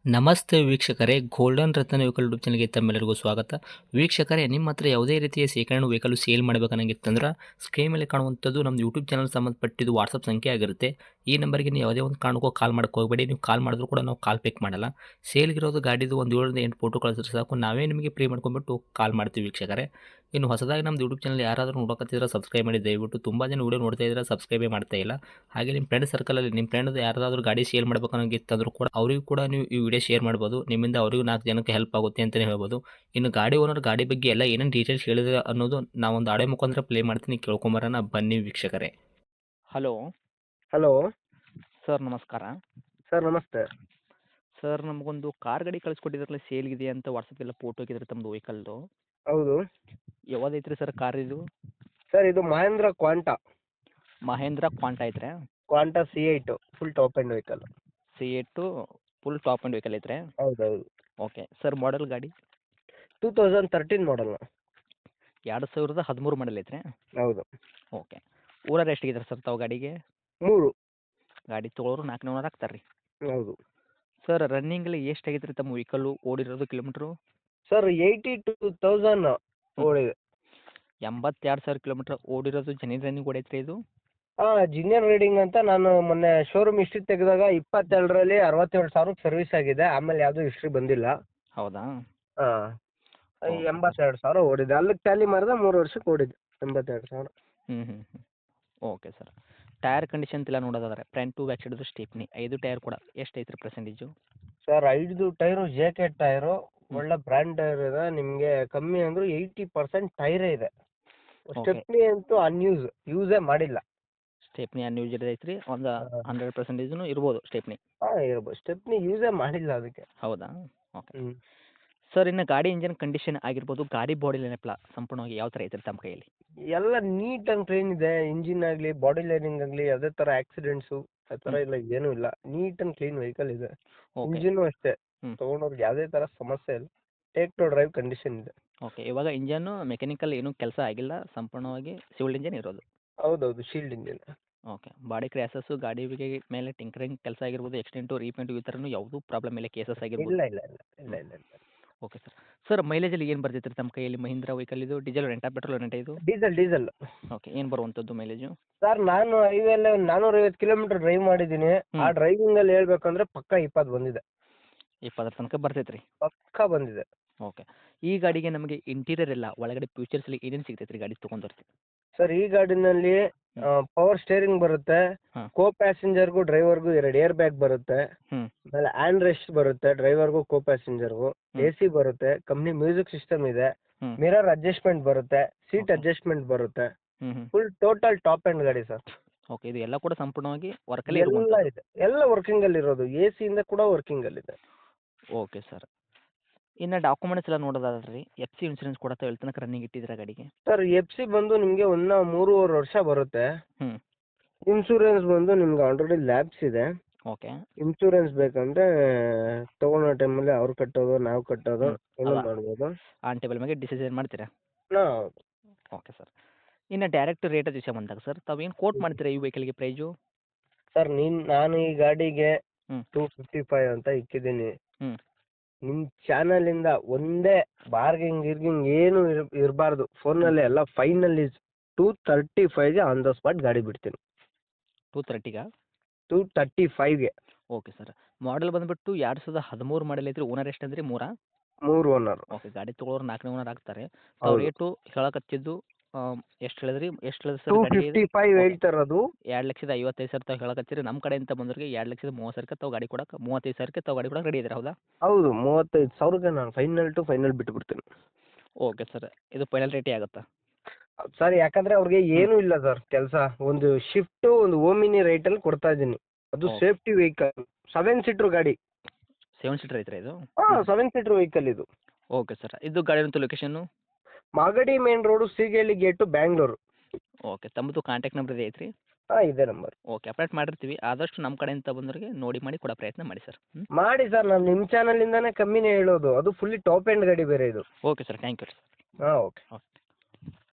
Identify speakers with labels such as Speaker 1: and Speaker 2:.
Speaker 1: ನಮಸ್ತೆ ವೀಕ್ಷಕರೇ, ಗೋಲ್ಡನ್ ರತ್ನ vehicle YouTube ಚಾನಲ್ಗೆ ತಮ್ಮೆಲ್ಲರಿಗೂ ಸ್ವಾಗತ. ವೀಕ್ಷಕರೇ, ನಿಮ್ಮ ಹತ್ರ ಯಾವುದೇ ರೀತಿಯ ಶೇಖರಣೆ ವೆಹಿಕಲ್ ಸೇಲ್ ಮಾಡಬೇಕನ್ನಂಗಿತ್ತಂದ್ರೆ ಸ್ಕ್ರೀನ್ ಮೇಲೆ ಕಾಣುವಂಥದ್ದು ನಮ್ಮ ಯೂಟ್ಯೂಬ್ ಚಾನಲ್ ಸಂಬಂಧಪಟ್ಟಿದ್ದು ವಾಟ್ಸಪ್ ಸಂಖ್ಯೆ ಆಗಿರುತ್ತೆ. ಈ ನಂಬರ್ಗೆ ನೀವು ಯಾವುದೇ ಒಂದು ಕಾರಣಕ್ಕೂ ಕಾಲ್ ಮಾಡೋಕ್ಕೆ ಹೋಗಬೇಡಿ. ನೀವು ಕಾಲ್ ಮಾಡಿದ್ರು ಕೂಡ ನಾವು ಕಾಲ್ ಪಿಕ್ ಮಾಡಲ್ಲ. ಸೇಲ್ಗಿರೋದು ಗಾಡಿದು ಒಂದು 7ರಿಂದ 8 ಫೋಟೋ ಕಳಿಸಿದ್ರೆ ಸಾಕು, ನಾವೇ ನಿಮಗೆ ಪ್ರೀ ಮಾಡ್ಕೊಂಡ್ಬಿಟ್ಟು ಕಾಲ್ ಮಾಡ್ತೀವಿ ವೀಕ್ಷಕರೇ. ಇನ್ನು ಹೊಸದಾಗಿ ನಮ್ಮದು ಯೂಟ್ಯೂಬ್ ಚಾನಲ್ ಯಾರಾದರೂ ನೋಡೋಕತ್ತಿದ್ರೆ ಸಬ್ಸ್ಕ್ರೈಬ್ ಮಾಡಿ ದಯವಿಟ್ಟು. ತುಂಬ ಜನ ವೀಡಿಯೋ ನೋಡ್ತಾ ಇದ್ದಾರೆ, ಸಬ್ಸ್ಕ್ರೈಬೇ ಮಾಡ್ತಾ ಇಲ್ಲ. ಹಾಗೆ ನಿಮ್ಮ ಫ್ರೆಂಡ್ ಸರ್ಕಲಲ್ಲಿ ನಿಮ್ಮ ಫ್ರೆಂಡ್ ಯಾರಾದರೂ ಗಾಡಿ ಸೇಲ್ ಮಾಡಬೇಕನ್ನೋಂಗಿತ್ತಂದ್ರೂ ಕೂಡ ಅವರಿಗೂ ಕೂಡ ನೀವು ಈ ವಿಡಿಯೋ ಶೇರ್ ಮಾಡ್ಬೋದು. ನಿಮ್ಮಿಂದ ಅವರಿಗೂ 4 ಜನಕ್ಕೆ ಹೆಲ್ಪ್ ಆಗುತ್ತೆ ಅಂತಲೇ ಹೇಳ್ಬೋದು. ಇನ್ನು ಗಾಡಿ ಓನರ್ ಗಾಡಿ ಬಗ್ಗೆ ಎಲ್ಲ ಏನೇನು ಡೀಟೇಲ್ಸ್ ಹೇಳಿದ್ರೆ ಅನ್ನೋದು ನಾವೊಂದು ಆಡಿಯೋ ಮುಖಾಂತರ ಪ್ಲೇ ಮಾಡ್ತೀನಿ, ಕೇಳ್ಕೊಂಬರೋಣ ಬನ್ನಿ ವೀಕ್ಷಕರೇ. ಹಲೋ
Speaker 2: ಹಲೋ
Speaker 1: ಸರ್, ನಮಸ್ಕಾರ.
Speaker 2: ಸರ್, ನಮಸ್ತೆ.
Speaker 1: ಸರ್, ನಮಗೊಂದು ಕಾರ್ ಗಾಡಿ ಕಳಿಸ್ಕೊಟ್ಟಿದ್ರಲ್ಲ, ಸೇಲ್ಗಿದೆ ಅಂತ ವಾಟ್ಸಪ್ಪೆಲ್ಲ ಫೋಟೋ ಹಾಕಿದ್ರೆ ತಮ್ಮದು ವೆಹಿಕಲ್ದು.
Speaker 2: ಹೌದು
Speaker 1: ಯಾವ್ದೈತ್ರಿ ಸರ್ ಕಾರ್ ಇದು?
Speaker 2: ಸರ್, ಇದು ಮಹೇಂದ್ರ
Speaker 1: ಮಹೇಂದ್ರ ಕ್ವಾಂಟ ಐತ್ರಿ?
Speaker 2: Quanto C8 full top end vehicle.
Speaker 1: C8 full top and vehicle ಐತ್ರಿ?
Speaker 2: ಹೌದೌದು.
Speaker 1: ಓಕೆ ಸರ್, ಮಾಡೆಲ್ ಗಾಡಿ
Speaker 2: 2013 ಮಾಡಲ್.
Speaker 1: 2013 ಮಾಡಲ್ ಐತ್ರಿ?
Speaker 2: ಹೌದು.
Speaker 1: ಓಕೆ. ಊರರ್ ಎಷ್ಟಿದ್ದಾರೆ ಸರ್ ತಾವು ಗಾಡಿಗೆ?
Speaker 2: 3.
Speaker 1: ಗಾಡಿ ತೊಗೊಳೋರು 4ನೇ ಓನರ್ ಆಗ್ತಾರೆ ರೀ?
Speaker 2: ಹೌದು.
Speaker 1: ಸರ್, ರನ್ನಿಂಗಲ್ಲಿ ಎಷ್ಟು ಆಗೈತೆ ರೀ ತಮ್ಮ ವೆಹಿಕಲ್ಲು ಓಡಿರೋದು ಕಿಲೋಮೀಟ್ರು?
Speaker 2: ಸರ್, 82,000 ಓಡಿದೆ.
Speaker 1: 82,000 ಕಿಲೋಮೀಟ್ರ್ ಓಡಿರೋದು. ಜೆನ್ಯೂನ್ ರನ್ನಿಂಗ್ ಓಡೈತ್ರಿ ಇದು?
Speaker 2: ಜಿನಿಯರ್ ರೀಡಿಂಗ್ ಅಂತ ನಾನು ಮೊನ್ನೆ ಶೋರೂಮ್ ಹಿಸ್ಟ್ರಿ ತೆಗೆದಾಗ 22ರಲ್ಲಿ 67,000 ಸರ್ವಿಸ್ ಆಗಿದೆ. ಆಮೇಲೆ ಯಾವುದೂ ಹಿಸ್ಟ್ರಿ ಬಂದಿಲ್ಲ.
Speaker 1: ಹೌದಾ?
Speaker 2: ಹಾಂ,
Speaker 1: ಓಕೆ.
Speaker 2: 82,000 ಓಡಿದೆ. ಅಲ್ಲಿಗೆ ಟ್ಯಾಲಿ ಮಾಡಿದ್ರೆ 3 ವರ್ಷಕ್ಕೆ ಓಡಿದೆ 82,000.
Speaker 1: ಹ್ಞೂ. Okay sir. ಟೈರ್ ಕಂಡೀಷನ್ ಎಲ್ಲ ನೋಡೋದಾದ್ರೆ front to back side stepney 5 tyre ಕೂಡ ಎಷ್ಟು ಐತ್ರಿ percentage?
Speaker 2: Sir, 5 tyre JK tyre, ಒಳ್ಳೆ ಬ್ರ್ಯಾಂಡ್ ಟೈರ್ ಇದೆ. ನಿಮಗೆ ಕಮ್ಮಿ ಅಂದರೂ 80% ಟೈರೇ ಇದೆ. ಸ್ಟೆಪ್ನಿ ಅಂತೂ ಯೂಸೇ ಮಾಡಿಲ್ಲ.
Speaker 1: ಸ್ಟೇಪ್ನಿ ಅನ್ಯೂಸ್ ಐತ್ರಿ? ಒಂದು 100% ಇರ್ಬೋದು ಸ್ಟೇಪ್ನಿ?
Speaker 2: ಇರ್ಬೋದು. ಸ್ಟೆಪ್ನಿ ಯೂಸೇ ಮಾಡಿಲ್ಲ ಅದಕ್ಕೆ.
Speaker 1: ಹೌದಾ? ಓಕೆ
Speaker 2: ಹ್ಞೂ.
Speaker 1: ಸರ್, ಇನ್ನು ಗಾಡಿ ಇಂಜನ್ ಕಂಡೀಷನ್ ಆಗಿರ್ಬೋದು, ಗಾಡಿ ಬಾಡಿ ಲೈನಪ್ಲ ಸಂಪೂರ್ಣವಾಗಿ ಯಾವ ಥರ ಐತ್ರಿ ತಮ್ಮ ಕೈಯಲ್ಲಿ?
Speaker 2: ಎಲ್ಲ ನೀಟ್ ಆ್ಯಂಡ್ ಕ್ಲೀನ್ ಇದೆ. ಇಂಜಿನ್ ಆಗಲಿ, ಬಾಡಿ ಲೈನಿಂಗ್ ಆಗಲಿ, ಯಾವುದೇ ಥರ ಆಕ್ಸಿಡೆಂಟ್ಸು ಆ ಥರ ಇಲ್ಲ, ಏನೂ ಇಲ್ಲ. ನೀಟ್ ಆ್ಯಂಡ್ ಕ್ಲೀನ್ ವೆಹಿಕಲ್ ಇದೆ.
Speaker 1: ಓಕೆ.
Speaker 2: ಇಂಜಿನ್ನು ಅಷ್ಟೇ,
Speaker 1: ಹ್ಞೂ.
Speaker 2: ತೊಗೊಂಡವ್ರಿಗೆ ಯಾವುದೇ ಥರ ಸಮಸ್ಯೆ ಇಲ್ಲ. ಟೇಕ್ ಟು ಡ್ರೈವ್ ಕಂಡೀಷನ್ ಇದೆ.
Speaker 1: ಓಕೆ. ಇವಾಗ ಇಂಜನ್ನು ಮೆಕ್ಯಾನಿಕಲ್ ಏನೂ ಕೆಲಸ ಆಗಿಲ್ಲ, ಸಂಪೂರ್ಣವಾಗಿ ಸಿವಿಲ್ ಇಂಜನ್ ಇರೋದು?
Speaker 2: ಹೌದೌದು, shield engine.
Speaker 1: Okay. Body crashes, ಗಾಡಿ ಮೇಲೆ ಟಿಂಕರಿಂಗ್ ಕೆಲಸ ಆಗಿರ್ಬೋದು, ಎಕ್ಸ್ಟೆಂಟು, ರೀಪೇಂಟು ಈ ಥರನೂ ಯಾವುದೂ ಪ್ರಾಬ್ಲಮ್ ಇಲ್ಲ, ಕೇಸಸ್ ಆಗಿರ್ಬೋದು?
Speaker 2: ಇಲ್ಲ ಇಲ್ಲ ಇಲ್ಲ ಇಲ್ಲ ಇಲ್ಲ ಇಲ್ಲ.
Speaker 1: Okay sir. ಸರ್, ಮೈಲೇಜಲ್ಲಿ ಏನು ಬರ್ತೈತೆ ರೀ ತಮ್ಮ ಕೈಯಲ್ಲಿ? ಮಹೀಂದ್ರ ವೆಹಿಕಲ್ ಇದು ಡೀಸೆಲ್ ರೆಂಟಾ, ಪೆಟ್ರೋಲ್ ರೆಂಟಾ ಇದು?
Speaker 2: ಡೀಸೆಲ್.
Speaker 1: ಓಕೆ. ಏನು ಬರುವಂಥದ್ದು ಮೈಲೇಜು?
Speaker 2: ಸರ್, ನಾನು ಹೈವೇಲಿ 450 ಕಿಲೋಮೀಟರ್ ಡ್ರೈವ್ ಮಾಡಿದ್ದೀನಿ. ಆ ಡ್ರೈವಿಂಗಲ್ಲಿ ಹೇಳ್ಬೇಕಂದ್ರೆ ಪಕ್ಕ 20 ಬಂದಿದೆ.
Speaker 1: 20 ತನಕ ಬರ್ತೈತೆ ರೀ?
Speaker 2: ಪಕ್ಕ ಬಂದಿದೆ.
Speaker 1: ಓಕೆ. ಈ ಗಾಡಿಗೆ ನಮಗೆ ಇಂಟೀರಿಯರ್ ಎಲ್ಲ ಒಳಗಡೆ ಫ್ಯೂಚರ್ಸಲ್ಲಿ ಏನೇನು ಸಿಗ್ತೈತೆ ರೀ ಗಾಡಿ ತೊಗೊಂಡ್ರೆ?
Speaker 2: ಸರ್, ಈ ಗಾಡಿನಲ್ಲಿ ಪವರ್ ಸ್ಟೇರಿಂಗ್ ಬರುತ್ತೆ.
Speaker 1: ಹಾಂ.
Speaker 2: ಕೋ ಪ್ಯಾಸೆಂಜರ್ಗೂ ಡ್ರೈವರ್ಗೂ 2 ಏರ್ ಬ್ಯಾಗ್ ಬರುತ್ತೆ.
Speaker 1: ಹ್ಞೂ.
Speaker 2: ಆಮೇಲೆ ಹ್ಯಾಂಡ್ ರೆಸ್ಟ್ ಬರುತ್ತೆ ಡ್ರೈವರ್ಗೂ ಕೋ ಪ್ಯಾಸೆಂಜರ್ಗೂ. AC ಬರುತ್ತೆ. ಕಂಪ್ನಿ ಮ್ಯೂಸಿಕ್ ಸಿಸ್ಟಮ್ ಇದೆ.
Speaker 1: ಹ್ಞೂ.
Speaker 2: ಮಿರರ್ ಅಡ್ಜಸ್ಟ್ಮೆಂಟ್ ಬರುತ್ತೆ. ಸೀಟ್ ಅಡ್ಜಸ್ಟ್ಮೆಂಟ್ ಬರುತ್ತೆ.
Speaker 1: ಹ್ಞೂ.
Speaker 2: ಫುಲ್ ಟೋಟಲ್ ಟಾಪ್ ಎಂಡ್ ಗಾಡಿ ಸರ್.
Speaker 1: ಓಕೆ. ಇದು ಎಲ್ಲ ಕೂಡ ಸಂಪೂರ್ಣವಾಗಿ ವರ್ಕಲ್ಲಿ
Speaker 2: ಎಲ್ಲ
Speaker 1: ಇರುವಂಥದ್ದು?
Speaker 2: ಇದೆ. ಎಲ್ಲ ವರ್ಕಿಂಗಲ್ಲಿ ಇರೋದು. AC ಕೂಡ ವರ್ಕಿಂಗಲ್ಲಿದೆ.
Speaker 1: Okay sir. ಇನ್ನು ಡಾಕ್ಯುಮೆಂಟ್ಸ್ ಎಲ್ಲ ನೋಡೋದಾದ್ರೆ ರೀ, FC ಇನ್ಸೂರೆನ್ಸ್ ಕೂಡ ತಾವು ಎಲ್ಲಿ ತನಕ ರನ್ನಿಂಗ್ ಇಟ್ಟಿದ್ದೀರಾ ಗಾಡಿಗೆ?
Speaker 2: ಸರ್, FC ಬಂದು ನಿಮಗೆ 3.5 ವರ್ಷ ಬರುತ್ತೆ.
Speaker 1: ಹ್ಞೂ.
Speaker 2: ಇನ್ಶೂರೆನ್ಸ್ ಬಂದು ನಿಮ್ಗೆ ಆಲ್ರೆಡಿ ಲ್ಯಾಬ್ಸ್ ಇದೆ.
Speaker 1: ಓಕೆ.
Speaker 2: ಇನ್ಶೂರೆನ್ಸ್ ಬೇಕಂದ್ರೆ ತಗೊಳ್ಳೋ ಟೈಮಲ್ಲಿ ಅವ್ರು ಕಟ್ಟೋದು, ನಾವು ಕಟ್ಟೋದು ಎಲ್ಲ
Speaker 1: ಅಲ್ಲ.
Speaker 2: ಮಾಡ್ಬೋದು.
Speaker 1: ಆನ್ ಟೇಬಲ್ ಮೇಲೆ ಡಿಸಿಷನ್ ಮಾಡ್ತೀರಾ?
Speaker 2: ಹೌದು.
Speaker 1: Okay sir. ಇನ್ನು ಡೈರೆಕ್ಟ್ ರೇಟ್ ವಿಷಯ ಬಂದಾಗ ಸರ್, ತಾವೇನು ಕೋಟ್ ಮಾಡ್ತೀರಾ ಈ ವೆಹಿಕಲ್ಗೆ ಪ್ರೈಸು?
Speaker 2: ಸರ್, ನಾನು ಈ ಗಾಡಿಗೆ
Speaker 1: ಹ್ಞೂ.
Speaker 2: 255 ಅಂತ ಇಕ್ಕಿದ್ದೀನಿ.
Speaker 1: ಹ್ಞೂ.
Speaker 2: ನಿಮ್ಮ ಚಾನಲಿಂದ ಒಂದೇ ಗಿರ್ಗಿಂಗ್ ಏನು ಇರಬಾರ್ದು. ಫೋನಲ್ಲಿ ಎಲ್ಲ ಫೈನಲ್ ಇಸ್ 235ಗೆ ಆನ್ ದ ಸ್ಪಾಟ್ ಗಾಡಿ ಬಿಡ್ತೀನಿ.
Speaker 1: 230ಗಾ?
Speaker 2: 235ಗೆ.
Speaker 1: Okay sir. ಮಾಡೆಲ್ ಬಂದುಬಿಟ್ಟು 2013 ಮಾಡೆಲ್ ಐತ್ರಿ. ಓನರ್ ಎಷ್ಟು ಅಂದ್ರಿ? 3?
Speaker 2: 3 ಓನರ್.
Speaker 1: ಓಕೆ. ಗಾಡಿ ತೊಗೊಳೋರು 4ನೇ ಓನರ್ ಆಗ್ತಾರೆ. ತಾವು ರೇಟು ಹೇಳಕತ್ತಿದ್ದು ಎಷ್ಟು ಹೇಳಿದ್ರಿ? ಎಷ್ಟು ಹೇಳಿದ್ರಿ ಸರ್ ಗಾಡಿಗೆ?
Speaker 2: 255 ಹೇಳ್ತಾ ಇರೋದು.
Speaker 1: 2,55,000 ತಾವು ಹೇಳಕತ್ತೀರಿ. ನಮ್ಮ ಕಡೆಯಿಂದ ಬಂದವ್ರಿಗೆ 2,30,000ಕ್ಕೆ ತಾವು ಗಾಡಿ ಕೊಡಕ್ಕೆ 35,000ಕ್ಕೆ ತಾವು ಗಾಡಿ ಕೊಡಕ್ಕೆ ರೆಡಿ ಇದ್ದೀರಾ, ಹೌದಾ?
Speaker 2: ಹೌದು, 35,000ಗೆ ನಾನು ಫೈನಲ್ ಟು ಫೈನಲ್ ಬಿಟ್ಬಿಡ್ತೀನಿ.
Speaker 1: Okay sir. ಇದು ಫೈನಲ್ ರೇಟೇ ಆಗುತ್ತಾ?
Speaker 2: ಸರ್, ಯಾಕಂದ್ರೆ ಅವ್ರಿಗೆ ಏನೂ ಇಲ್ಲ ಸರ್ ಕೆಲಸ. ಒಂದು ಶಿಫ್ಟು, ಒಂದು ಓಮಿನಿ ರೈಟಲ್ಲಿ ಕೊಡ್ತಾ ಇದ್ದೀನಿ. ಅದು ಸೇಫ್ಟಿ ವೆಹಿಕಲ್. 7 ಸೀಟ್ರ್ ಗಾಡಿ.
Speaker 1: 7 ಸೀಟರ್ ಐತ್ರಿ ಇದು?
Speaker 2: 7 ಸೀಟ್ರ್ ವೆಹಿಕಲ್ ಇದು.
Speaker 1: Okay sir. ಇದು ಗಾಡಿ location?
Speaker 2: Magadi main road, Seegehalli gate, Bangalore.
Speaker 1: Okay. ತಮ್ಮದು ಕಾಂಟ್ಯಾಕ್ಟ್ ನಂಬರ್ ಇದೆ ಐತ್ರಿ?
Speaker 2: ಇದೇ ನಂಬರ್.
Speaker 1: ಓಕೆ. ಅಪ್ಡೇಟ್ ಮಾಡಿರ್ತೀವಿ. ಆದಷ್ಟು ನಮ್ಮ ಕಡೆಯಿಂದ ಬಂದವರಿಗೆ ನೋಡಿ ಮಾಡಿ ಕೊಡೋ ಪ್ರಯತ್ನ ಮಾಡಿ ಸರ್.
Speaker 2: ಮಾಡಿ ಸರ್, ನಾನು ನಿಮ್ಮ ಚಾನಲಿಂದಾನೇ ಕಮ್ಮಿನೇ ಹೇಳೋದು. ಅದು ಫುಲ್ಲಿ ಟಾಪ್ ಎಂಡ್ ಗಾಡಿ ಬೇರೆ ಇದು.
Speaker 1: Okay sir. Thank you.
Speaker 2: ಹಾಂ, ಓಕೆ.
Speaker 1: ಓಕೆ.